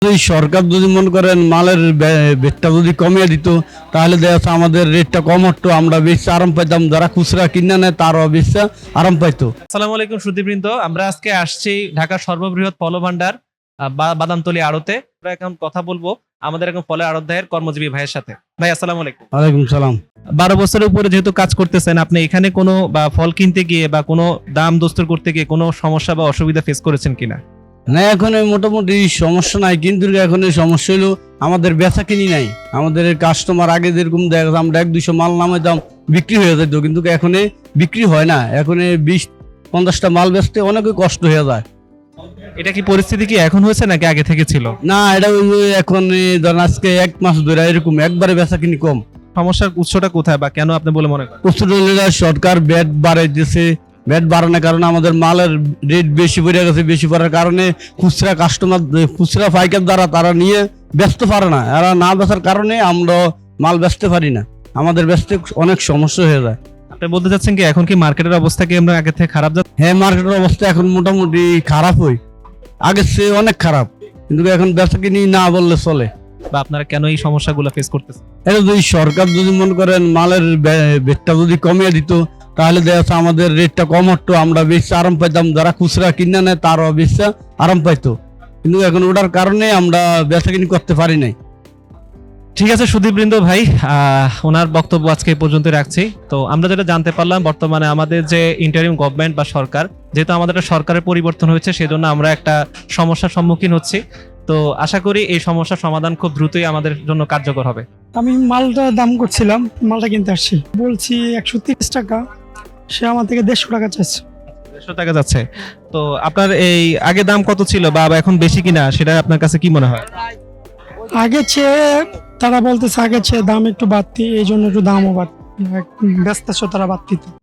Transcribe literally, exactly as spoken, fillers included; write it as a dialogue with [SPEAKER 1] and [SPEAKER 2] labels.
[SPEAKER 1] যদি সরকার যদি মনে করেন মালের রেটটা যদি কমিয়ে দিত তাহলে দেখা যাচ্ছে আমাদের রেটটা কম হতো, আমরা বেশি আরাম পাইতাম, যারা খুচরা কিনে নেয় তারাও বেশি আরাম পাইতো।
[SPEAKER 2] আসসালামু আলাইকুম সুধীবৃন্দ, আমরা আজকে আসছি ঢাকার সর্ববৃহৎ ফল ভান্ডার বাদামতলী আড়তে। আমরা এখন কথা বলবো আমাদের এখন ফলের আড়তদারের কর্মজীবী ভাইয়ের সাথে। ভাই আসসালামু আলাইকুম।
[SPEAKER 1] ওয়ালাইকুম সালাম।
[SPEAKER 2] বারো বছরের উপরে যেহেতু কাজ করতেছেন, আপনি এখানে কোনো বা ফল কিনতে গিয়ে বা কোনো দাম দস্তর করতে গিয়ে কোনো সমস্যা বা অসুবিধা ফেস করেছেন কিনা?
[SPEAKER 1] না, এখন এই মোটামুটি সমস্যা নাই, কিন্তু এখন এই সমস্যা হলো আমাদের বেচা কিনি নাই। আমাদের কাস্টমার আগে যেরকম দেখা যায় আমরা এক দুইশো মাল নামাইতাম বিক্রি হয়ে যেত, কিন্তু এখন এই বিক্রি হয় না। এখন এই বিশ পঞ্চাশটা মাল বেচতে অনেকই কষ্ট হয়ে যায়।
[SPEAKER 2] এটা কি পরিস্থিতি কি এখন হয়েছে নাকি আগে থেকে ছিল?
[SPEAKER 1] না, এটা ওই যে এখন এই ধরেন আজকে এক মাস ধরে এরকম একবারে বেচা কিনি কম।
[SPEAKER 2] সমস্যার উৎসটা কোথায় বা কেন আপনি বলে মনে করেন?
[SPEAKER 1] প্রচুর সরকার ব্যাট বাড়াই দিয়েছে, ব্যাট বাড়ানোর কারণে আমাদের মালের রেট বেশি পড়ে গেছে। বেশি পড়ার কারণে খুচরা কাস্টমার, খুচরা পাইকার দ্বারা তারা নিয়ে বেচতে পারে না। এরা না বেচার কারণে আমরা মাল বেচতে পারি না, আমাদের বেচতে অনেক সমস্যা হয়ে যায়।
[SPEAKER 2] আপনি বলতে চাচ্ছেন কি এখন কি মার্কেটের অবস্থা কি আমরা আগে থেকে খারাপ যাচ্ছে?
[SPEAKER 1] হ্যাঁ, মার্কেটের অবস্থা এখন মোটামুটি খারাপ হয়, আগের চেয়ে অনেক খারাপ, কিন্তু এখন বেচা কিনি না বললে চলে।
[SPEAKER 2] বা আপনারা কেন এই সমস্যাগুলো ফেস করতেছেন?
[SPEAKER 1] এটা যদি সরকার যদি মনে করেন মালের রেটটা যদি কমিয়ে দিত তাহলে দেখা যাচ্ছে আমাদের রেটটা কম হতো, আমরা বেশি আরাম পাইতাম, যারা খুচরা কিনে নেয় তারাও বেশি আরাম পাইতো। কিন্তু এখন ওটার কারণে আমরা বেচাকিনি করতে পারি নাই।
[SPEAKER 2] ঠিক আছে সুধীবৃন্দ ভাই, আহ, ওনার বক্তব্য আজকে এই পর্যন্ত রাখছি। তো আমরা যেটা জানতে পারলাম, বর্তমানে আমাদের যে ইন্টারিম গভর্নমেন্ট বা সরকার, যেহেতু আমাদের একটা সরকারের পরিবর্তন হয়েছে, সেজন্য আমরা একটা সমস্যার সম্মুখীন হচ্ছি। তো আশা করি এই সমস্যার সমাধান খুব দ্রুতই আমাদের জন্য কার্যকর হবে।
[SPEAKER 3] আমি মালটা দাম করছিলাম, মালটা কিনতে আসছি, বলছি একশো তিরিশ টাকা, সে আমার থেকে দেড়শো টাকা চাইছে।
[SPEAKER 2] দেড়শো টাকা যাচ্ছে। তো আপনার এই আগে দাম কত ছিল বা এখন বেশি কিনা, সেটা আপনার কাছে কি মনে হয়?
[SPEAKER 3] আগে চেয়ে তারা বলতেছে আগে চেয়ে দাম একটু বাড়তি, এই জন্য একটু দামও বাড়তি, ব্যস্ত তারা বাড়তি।